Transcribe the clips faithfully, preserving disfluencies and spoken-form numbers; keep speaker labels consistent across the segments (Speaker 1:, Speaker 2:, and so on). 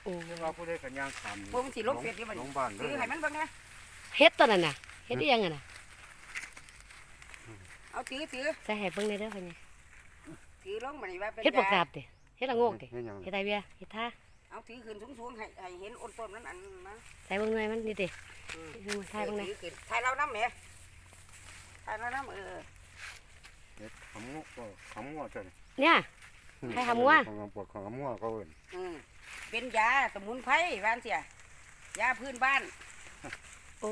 Speaker 1: โอ้
Speaker 2: ว่าผู้ใดกันย่างขาม
Speaker 3: พวกมันสิลบเฟซอยู่บัด
Speaker 2: ล
Speaker 3: นี้
Speaker 2: งบ้านเล
Speaker 3: ถือย ให้มันเบิ่งนะ
Speaker 1: เฮ็ดตัวนั้นน่ะเฮ็ดอีหยังอ่ะน่ะ
Speaker 3: เอาถือถือ
Speaker 1: ใส่ให้เบิ่งได้เด้อพ่อใหญ่
Speaker 3: ถือลงบัดนี้ว่าเป็น
Speaker 1: เฮ็ดบ่ก
Speaker 3: ยา
Speaker 1: ราบติเฮ็ดละโงกติ
Speaker 2: เฮ็ดหยัง
Speaker 1: เฮ็ดไดเวียเฮ็ดท่า
Speaker 3: เอาถือขึ้นสูงๆให้ให้เห็นอ้นต้นนั้นอันนะ
Speaker 1: ใส่เบิ่งหน่อยมันนี่ติ
Speaker 3: อืม
Speaker 1: เฮ็ดมาถ่ายเบิ่งหน่อย
Speaker 3: ถือขึ้นถ่ายเราน้ำแหมถ่ายเราน้ำเออ
Speaker 2: เฮ็ดขำงอกก็ขำงอกจ้ะ
Speaker 1: เนี่ย ให้ขำงัว
Speaker 2: ของปวดของขำงัวเขาเอิ้น
Speaker 3: อืมเป็นยาสมุนไพรบ้านเสียยาพื้นบ้าน
Speaker 1: โอ้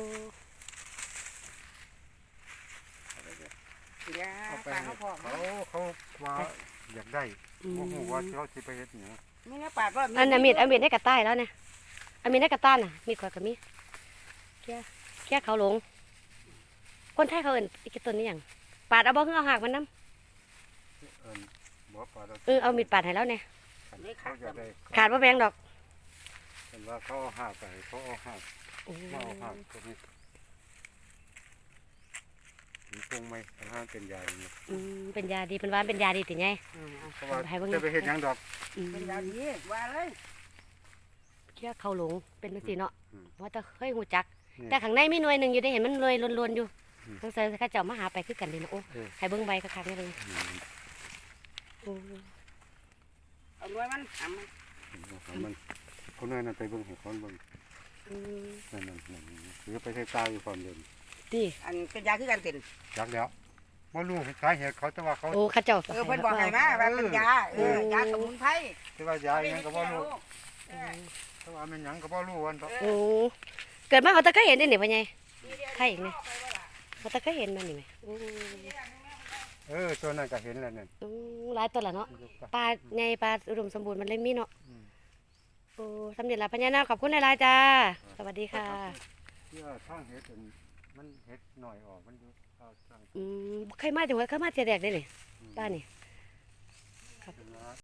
Speaker 3: ยา
Speaker 2: เอาไป
Speaker 3: ปลา
Speaker 2: ให้
Speaker 3: เขาพอก
Speaker 2: เขาเขาว่าอยากได้
Speaker 1: อืม
Speaker 2: บ่ฮู้ว่าเขาสิไปเฮ็ดหยัง
Speaker 3: มีเนื้อปลาก็
Speaker 1: อันน่ะมีดเอามีดในกระต่ายแล้วเนี่ยเอามีดในกระต้านน่ะมีดข่อยก็มีแค่แค่เขาหลง คนไทยเขาเอิ้นอีกต้นนี้หยังปาดเอาบ่คือเอาหากมันนำ
Speaker 2: เอิ้นบ่ปลาดอก
Speaker 1: เออเอามีดปาดให้แล้วเนี่ย
Speaker 2: เขาอยากได้
Speaker 1: ขาดบ่แพงดอก
Speaker 2: เห็นว่าเขาเอาหากไปเขาเอาหาก
Speaker 1: โอ้
Speaker 2: มาเอาหากตรงนี้มีคงไหมอาหารเป็นยาอย่างนี้
Speaker 1: อืมเป็นยาดีเป็นหวานเป็นยาดีติไง
Speaker 3: อืมเอา
Speaker 2: เพราะว่า
Speaker 1: ให้เบิ่ง
Speaker 2: จะไปเฮ็ดหยังดอก
Speaker 1: อืม
Speaker 3: เป็นยาดีว่าเลย
Speaker 1: เชื่อเขาหลงเป็นจังซี่เนาะ
Speaker 2: อืม
Speaker 1: ว่าแต่เคยฮู้จัก
Speaker 2: นี่
Speaker 1: แต่ข้างในมีหน่วยหนึงอยู่ได้เห็นมันเลยล้วนๆอยู่
Speaker 2: อืม
Speaker 1: สงสัยเขาเจ้ามาหาไปคือกันนี่นะโอ้
Speaker 2: เออ
Speaker 1: ให้เบิ่งใบคักๆนี่เลย
Speaker 2: อืม
Speaker 1: โอ้
Speaker 3: เอาหน่วยมันทำมัน
Speaker 2: เอามันคนนั้นน่ะไปเบิ่งให้เขาเบิ่ง
Speaker 1: อืม
Speaker 2: นั่นนั่นนั่นหรือไปใช้ตาอยู่ความเดิน
Speaker 1: นี่
Speaker 3: อันเป็นยาคือการเป็น
Speaker 2: จักแล้วบ่รู้สาเหตุเขาแต่ว่าเขา
Speaker 1: โอ้เข้าเจ้า
Speaker 3: เออเพิ่นบอกให้มาว่าเป็นยาเออยาสมุนไพร
Speaker 2: แต่ว่ายาอิหยังก็บ่รู้
Speaker 3: เออ
Speaker 2: แต่ว่ามันหยังก็บ่รู้วันเถาะ
Speaker 1: โอ้เกิดมาเขาตะเคยเห็นได้นี่พ่อใหญ่
Speaker 3: นี่เดี๋ยว
Speaker 1: ใครอีกเนี่ย เขาตะเคยเห็นมันนี่ไหมโอ้
Speaker 2: เออตัวนั้นก็เห็นแล้วนั่น
Speaker 1: อืมหลายตัวละเนาะปลาใหญ่ปลาอุดมสมบูรณ์มันเลยมีเนาะ
Speaker 2: อืม
Speaker 1: โอ้สำเร็จแล้วพญานาคขอบคุณหลายๆจ้าสวัสดีค่ะ
Speaker 2: เพื่อทางเฮ็ดอันมันเฮ็ดหน่อยออกมันอยู่เอาทาง
Speaker 1: อืมเคยมาจังหวัดเคยมาเทียแดกได้นี่ป้านี่
Speaker 2: อ